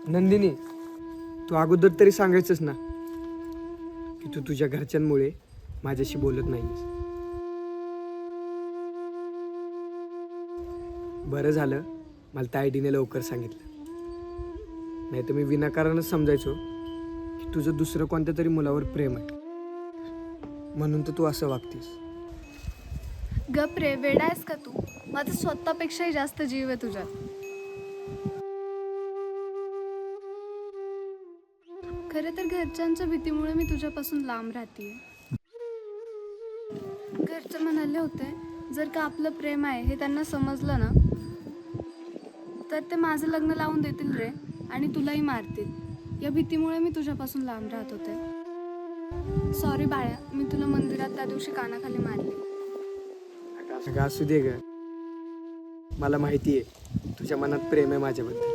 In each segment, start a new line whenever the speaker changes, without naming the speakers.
नंदिनी, तू अगोदर तरी सांगायचंस ना की तू तुझ्या घरच्यांमुळे माझ्याशी बोलत नाहीस. बरं झालं मला त्या आयडीने लवकर सांगितलं, नाही तर मी विनाकारणच समजायचो की तुझं दुसरं कोणत्या तरी मुलावर प्रेम आहे, म्हणून तर तू असं वागतीस.
गप रे, वेडा आहेस का तू? माझा स्वतःपेक्षाही जास्त जीव आहे तुझ्यात. खरं तर घरच्यांच्या भीतीमुळे मी तुझ्यापासून लांब राहते. घरचे म्हणाले होते जर का आपलं प्रेम आहे हे त्यांना समजलं ना तर ते माझं लग्न लावून देतील रे आणि तुलाही मारतील. या भीतीमुळे मी तुझ्यापासून लांब राहत होते. सॉरी बाळ्या, मी तुला मंदिरात त्या दिवशी कानाखाली मारली.
अगं असू दे ग, मला माहिती आहे तुझ्या मनात प्रेम आहे माझ्याबद्दल.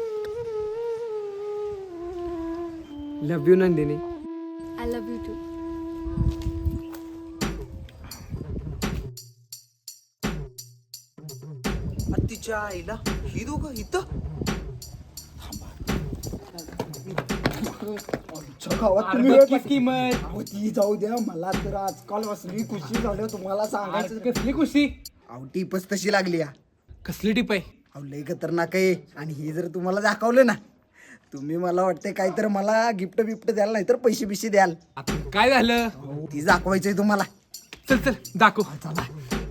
Love you Nandini.
I love you too.
तिच्या आईला ही दोघं इथं
गावात तुम्ही किंमत ती जाऊ द्या. मला तर आजकाल असली खुशी झाली तुम्हाला सांगायचं.
कसली खुशी?
अहो टीपच तशी लागली.
कसली टीप आहे?
अहो लय खतरनाक आहे. आणि हे जर तुम्हाला दाखवलं ना तुम्ही मला वाटतंय काहीतरी मला गिफ्ट बिफ्ट द्याल, नाही तर पैसे बिशे द्याल.
आता काय झालं?
ती दाखवायचंय तुम्हाला.
चल चल दाखव.
चला.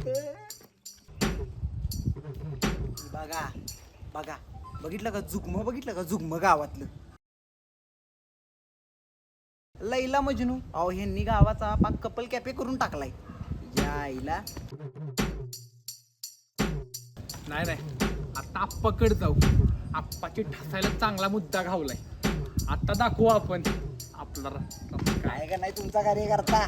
बघा बघा, बघितलं का जुगम, बघितलं का जुगम गावातलं लैला मजनू. अहो ह्यांनी गावाचा पाक कपल कॅफे करून टाकलाय. या आईला
नाही नाही, आता आप्पाकडे जाऊ. आप्पाची ठसायला चांगला मुद्दा घावलाय. आता दाखवू आपण आपला
काय का नाही तुमचा कार्यकर्ता.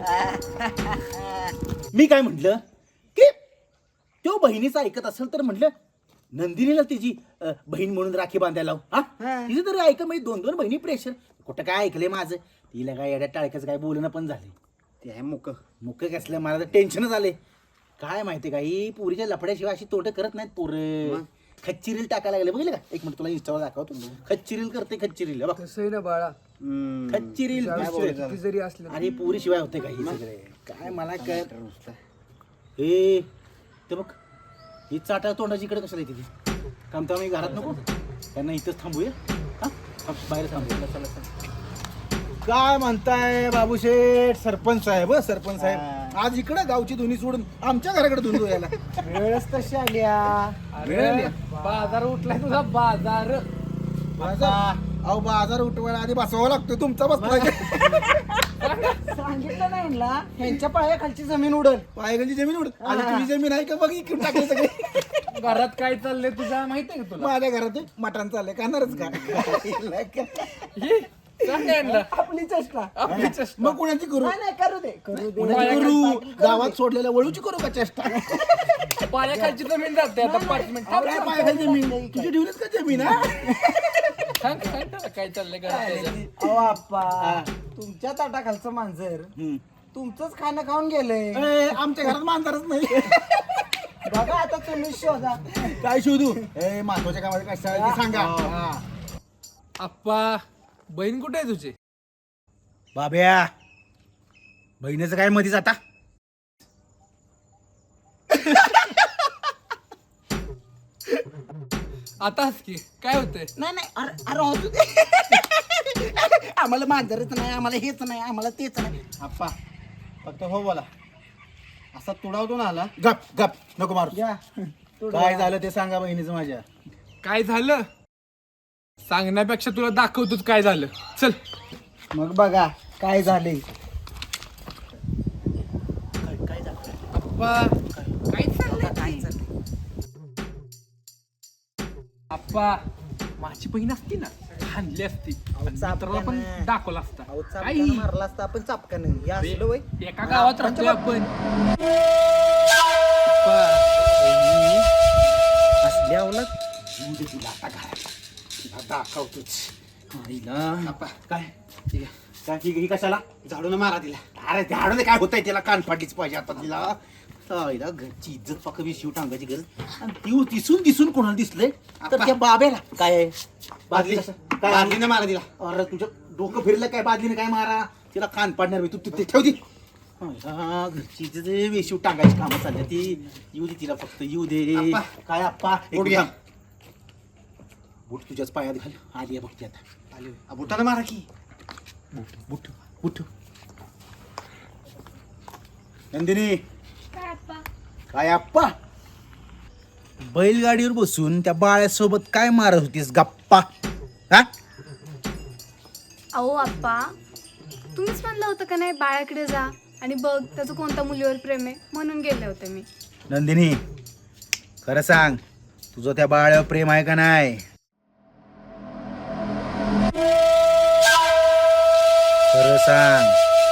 मी काय म्हटलं की तो बहिणीचं ऐकत असेल तर म्हटलं नंदिनीला तिची बहीण म्हणून राखी बांधायला लावू. हा तिचं तरी ऐक, म्हणजे दोन दोन बहिणी प्रेशर. कुठं काय ऐकलंय माझं? तिला काय येड्या टाळक्याचं काय बोलणं पण झाले. ते आहे मुक मुक कसलं, मला तर टेन्शनच आले. काय माहिती का, ही पुरीच्या लफड्याशिवाय अशी तोटं करत नाहीत पोरं. खच्ची रील टाकायला लागले. बघितलं का? एक मिनिट तुला इंस्टावर दाखवतो. खच्ची रील करते, खच्ची रील बघ.
तसं आहे ना बाळा,
खच्ची रील
किती जरी असलं
आणि पुरी शिवाय होते का ही सगळे? काय मला काय हे ते बघ, ही चाटा तोंडाची इकडे कशाला येते ती? काम तर आम्ही घरात नको, त्यांना इथंच थांबूया. हा बाहेर थांबूया. चला चला.
काय म्हणताय बाबूशेठ? सरपंच साहेब, सरपंच साहेब आज इकडे गावची धुनी सोडून आमच्या घराकडे धुनी धुयाला.
वेळच तशी आली.
अरे बाजार उठलाय तुझा बाजार.
अहो बाजार उठवायला आधी बसवावा लागतो. तुमचा बसला
सांगितलं नाही ना ह्यांच्या पायाखालची जमीन उडल.
पायगलची जमीन उड आणि तुझी जमीन आहे का बघ, इकडून टाकले सगळे.
घरात काय चाललंय तुझ्या माहितीये का तुला?
माझ्या घरात मटण चाललंय, खाणारच का?
ही, सांग यांना.
आपली चेष्टा.
आपली चेष्टा.
मग कुणाची करू?
नाही करू दे करू दे.
कुणाची करू? गावात सोडलेल्या वळूची करू का चेष्टा?
पायाखालची जमीन जाते आता 5 मिनिट.
काय पायाखाली जमीन? तुझी ठेवलीच का जमीन? हा
सांग सांग त्याला काय चाललंय घरात त्याच्या.
अहो आप्पा, तुमच्या ताटाखालचं मांजर तुमचंच खाणं खाऊन गेलंय.
ए, आमच्या घरात मांजरच नाही.
बघा आता तुम्ही शोधा.
काय शोधू? ए महत्वाच्या कामात काय सांगा ते सांगा. हा.
आप्पा, बहीण कुठे आहे तुझी?
बाब्या, बहिणीचं काय मधीच आता?
आताच की काय होतंय?
नाही नाही, अरे असू दे. आम्हाला मांजरच नाही, आम्हाला हेच नाही, आम्हाला तेच नाही.
आप्पा फक्त हो बोला. असा तुडावतो ना आला. गप गप नको मारू.
घ्या.
काय झालं ते सांगा बहिणीचं माझ्या.
काय झालं सांगण्यापेक्षा तुला दाखवतोच काय झालं. चल.
मग बघा काय झाले.
आप्पा काय चाललंय? आप्पा, माझी बहीण असती ना हाणली असती आणि मित्राला पण दाखवला असता. काही
मारला असता आपण चापकानं. हे असलं वय.
एका गावात राहतोय आपण.
असली अवलग.
तुला आता घरात दाखवतोच.
काय ठीक आहे. काय ही कशाला? झाडून मारा तिला. अरे झाडून काय होतंय तिला? कान फाटलीच पाहिजे आता तिला. आईला घरची इज्जत फक्त शिव टांगायची गरज आणि ती दिसून दिसून कोणाला दिसलंय तर त्या बाब्याला काय आहे? बादली काय बादलीने मारा तिला. अरे तुझं डोकं फिरलं काय बादलीने काय मारा तिला कान पाडणार मी. तू तिथे ठेव ती घरची इज्जत वेशीव टांगायची कामं चालली ती. येऊ दे तिला फक्त येऊ दे. काय आप्पा बूट घ्या. बूट तुझ्याच पायात घाल. आली आहे बघ ती आता. आली बुटाला मारा की. बूट बूट बूट. नंदिनी काय आप्पा बैलगाडीवर बसून त्या बाळ्यासोबत काय मारत होतीस गप्पा? हा
अहो आप्पा, तुम्हीच म्हणलं होतं का नाही बाळाकडे जा आणि बघ त्याचं कोणत्या मुलीवर प्रेम आहे म्हणून गेले होते मी.
नंदिनी खरं सांग तुझं त्या बाळ्यावर प्रेम आहे का नाही? खरं सांग.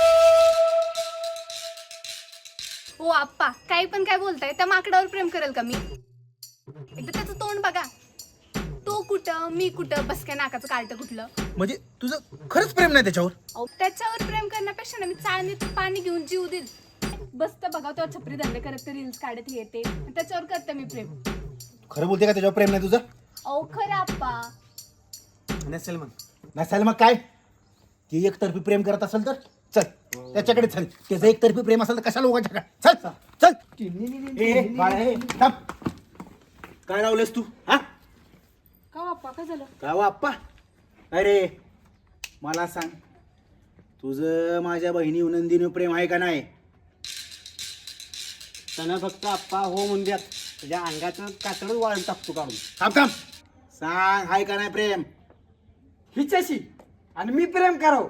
हो आप्पा, काही पण काय बोलताय, त्या माकडावर प्रेम करेल का मी? एकदा त्याचं तोंड बघा. तो कुठं मी कुठं, बस काय नाकाचं कार्ट कुठलं.
म्हणजे तुझं खरंच प्रेम नाही त्याच्यावर?
अहो त्याच्यावर प्रेम करण्यापेक्षा ना मी चाळणीत पाणी घेऊन जीव देईल. बसतं बघा तेव्हा छपरी धंदे करत रील्स काढत हे ते, त्याच्यावर करते मी प्रेम.
खरं बोलते का त्याच्यावर प्रेम नाही तुझं?
अहो खरं आप्पा.
नसेल मग काय? ती एकतर्फी प्रेम करत असेल तर चल त्याच्याकडे चल. त्याचं एकतर्फी प्रेम असेल तर कशाला लोकांच्या चल चल. ए, बाळा, ए, थांब. काय लावलेस तू? हा
का आप्पा, काय झालं?
का आप्पा? अरे मला सांग तुझं माझ्या बहिणी नंदिनी प्रेम आहे का नाही?
त्यांना फक्त आप्पा हो म्हणजे तुझ्या अंगाचं कातडच वाळून टाकतो काढून.
थांब थांब. सांग आहे का नाही प्रेम?
हिच्याशी आणि मी प्रेम करावं?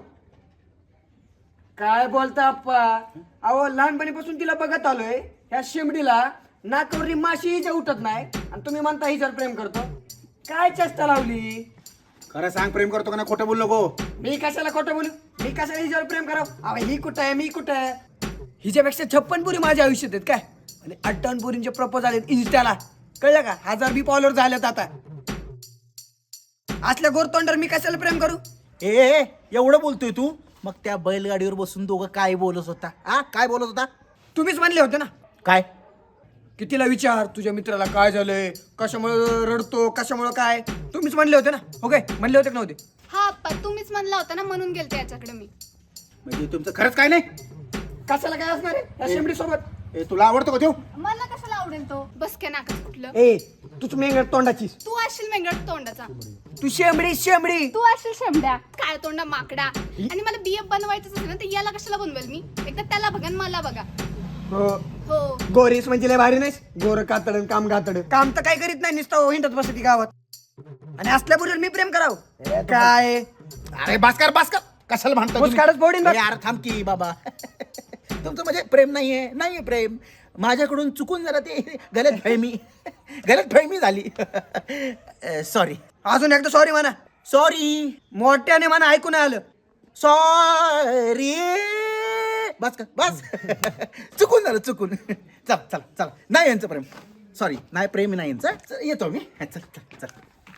काय बोलता आप्पा? अहो लहानपणीपासून तिला बघत आलोय. ह्या शेंबडीला नाकावरली माशी हिच्या उठत नाही आणि तुम्ही म्हणता हिच्यावर प्रेम करतो. काय चेष्टा लावली?
खरं सांग प्रेम करतो का नाही? खोटं बोल नको.
मी कशाला खोटं बोलू? मी कशाला हिच्यावर प्रेम करावं? अहो ही कुठं आहे मी कुठं आहे? हिच्यापेक्षा 56 पुरी माझ्या आयुष्यात आहेत काय, आणि 58 पुरींचे प्रपोज आलेत इन्स्टाला. कळलं का? 1000 बी फॉलोअर झालेत आता. असल्या गोरतोंडावर मी कशाला प्रेम करू?
ए एवढं बोलतोय तू? मग त्या बैलगाडीवर बसून दोघं काय बोलत होता? हा काय बोलत होता?
तुम्हीच म्हणले होते ना
काय?
की तिला विचार तुझ्या मित्राला काय झालंय, कशामुळे रडतो, कशामुळे काय. तुम्हीच म्हणले होते ना. ओके म्हणले होते का नव्हते?
हा आप्पा, तुम्हीच म्हणला होता ना म्हणून गेलते याच्याकडे मी.
म्हणजे तुमचं खरंच काय नाही?
कशाला काय असणार आहे या शेंबडी सोबत?
ए तुला आवडतो का तो?
मला कशाला आवडेल तो? बस काय नाकाच कुठलं.
ए तूच मेंगट तोंडाचीस.
तू असशील मेंगट तोंडाचा.
तू शेंबडी.
तू असशील शेंबड्या काय तोंडा माकडा. आणि मला BF बनवायचं असेल ना तर याला कशाला बनवेल मी? एकदा त्याला बघा आणि मला बघा.
हो
हो
गोरीस म्हणजे लय भारी नाहीस. गोर कातड काम गातड काम तर काय करीत नाही, नुसतं हिंडत बसती गावात. आणि असल्या बरोबर मी प्रेम करावं काय?
अरे भास्कर कशाला म्हणतो?
मुस्काडच फोडीन बघ.
यार थांब की बाबा. तुमचं म्हणजे प्रेम नाहीये प्रेम. माझ्याकडून चुकून जरा ते गलतफहमी झाली. सॉरी.
अजून एकदा सॉरी म्हणा.
सॉरी
मोठ्याने म्हणा, ऐकून आलं.
सॉरी. बस चुकून झालं चुकून. चल नाही यांचं प्रेम. सॉरी नाही प्रेम नाही यांचं. येतो मी. चल.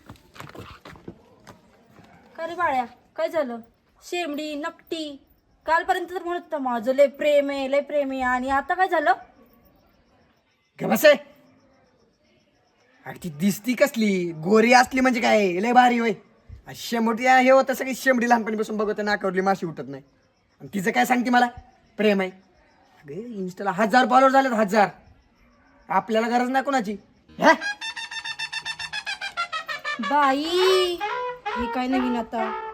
का रे बाळ्या, काय झालं? शेमडी नकटी कालपर्यंत तर म्हणत होता माझं लय प्रेम आहे आणि आता काय झालं?
बस आहे. ती दिसती कसली गोरी असली म्हणजे काय लय भारी होय. शेंबडी हे होतं सगळी शेंबडी लहानपणीपासून बघत नाकावरली माशी उठत नाही. आणि तिचं काय सांगते मला प्रेम आहे? अगे इन्स्टाला 1000 फॉलोअर झालेत. 1000. आपल्याला गरज नाही कोणाची.
बाई हे काय नवीन आता?